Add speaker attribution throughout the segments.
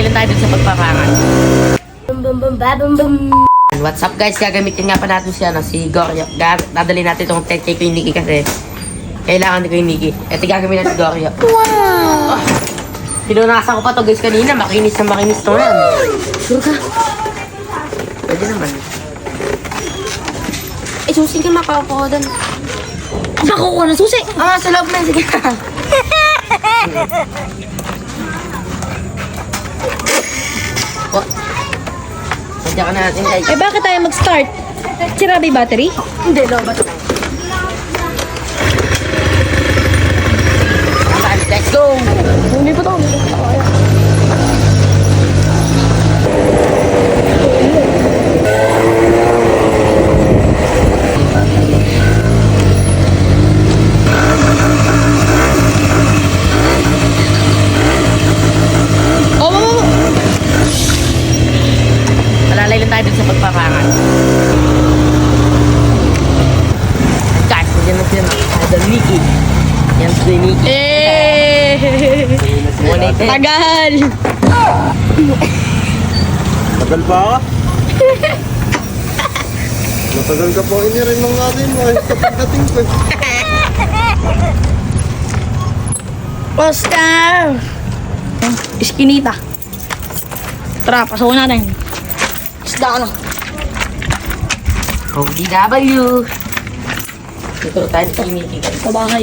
Speaker 1: Alalayan tayo dun sa pagpapangan. What's up guys? Gagamitin nga pa natin si Goryo. Dadali natin itong 10K ko yung Nikki kasi kailangan ko yung Nikki. Ito gagawin natin si Goryo. Wow! Oh, pinunasan ko pa to guys kanina. Makinis na makinis to yan. Sure ka? Pwede naman.
Speaker 2: Eh, susi ka makakuha doon. Makukuha ng susi?
Speaker 1: Ah, sa loob na. Sige. Oh. Sadya ka na natin guys.
Speaker 2: Eh, bakit tayo mag-start? Sira ba yung battery?
Speaker 1: Hindi, lobat. Let's go!
Speaker 2: Hindi pa to.
Speaker 1: Alalay lang tayo dun sa pagpapangan. Guys, nandiyan na siya. Idol Nikki. Yan si Nikki.
Speaker 2: Tagal!
Speaker 3: Tagal pa ako? Matagal ka po inirin ng natin mo. Kapag dating ko.
Speaker 2: Oscar! Iskinita. Tara, pasawa natin. Isda ka na.
Speaker 1: ODW. Ito tayo sa Nikki.
Speaker 2: Sa bahay.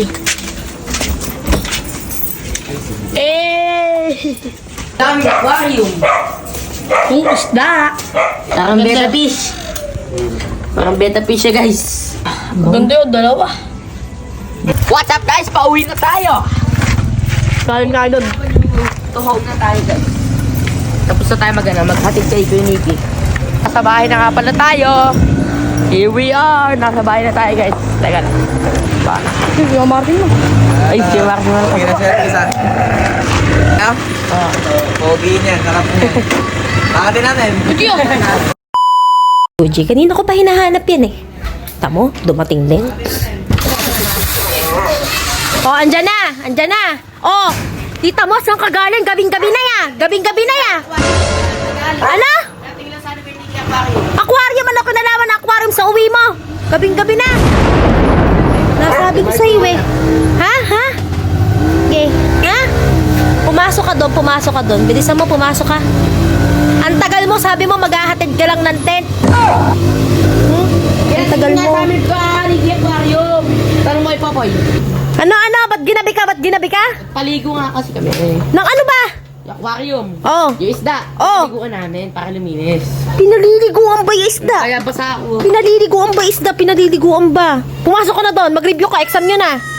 Speaker 1: Dami aquarium.
Speaker 2: Yung isda.
Speaker 1: Parang beta fish. Parang beta fish siya guys.
Speaker 2: Ganda yun, dalawa.
Speaker 1: What's up guys? Pauwi na tayo.
Speaker 2: Kain doon.
Speaker 1: Tuhog na tayo guys. Tapos na tayo maghatid kay Nikki. Nasa bahay na nga pala tayo. Here we are. Nasa bahay na tayo guys. Teka lang.
Speaker 2: Yung Martin mo.
Speaker 1: Ay, si Mark mo.
Speaker 3: Isa. Pogi niya, sarap niya. Pakatin natin.
Speaker 4: Uji, kanina ko pa hinahanap yan eh. Tamo, dumating din. Oh, andyan na! Andyan na! Oh, tita mo, saan ka galing? Gabing-gabi na ya! Gabing-gabi na ya! Ano? Aquarium! Ano ko nalaman na aquarium sa uwi mo? Gabing-gabi na! Nasabi ko sa'yo eh. Ha? Ha? Okay. Ha? Pumasok ka doon. Bilisan mo, pumasok ka. Ang tagal mo, sabi mo, maghahatid ka lang ng tent. Ang tagal mo.
Speaker 1: Aquarium. Tanong mo Popoy.
Speaker 4: Ano? Ba't ginabi ka?
Speaker 1: Paligo nga kasi kami.
Speaker 4: Nang ano ba?
Speaker 1: Aquarium.
Speaker 4: Oh.
Speaker 1: Yung isda.
Speaker 4: Oh.
Speaker 1: Paliguan namin para luminis.
Speaker 4: Pinaliliguan ba yung isda?
Speaker 1: Kaya basa ako.
Speaker 4: Pinaliliguan ba? Pumasok ka na doon. Mag-review ka. Exam nyo na.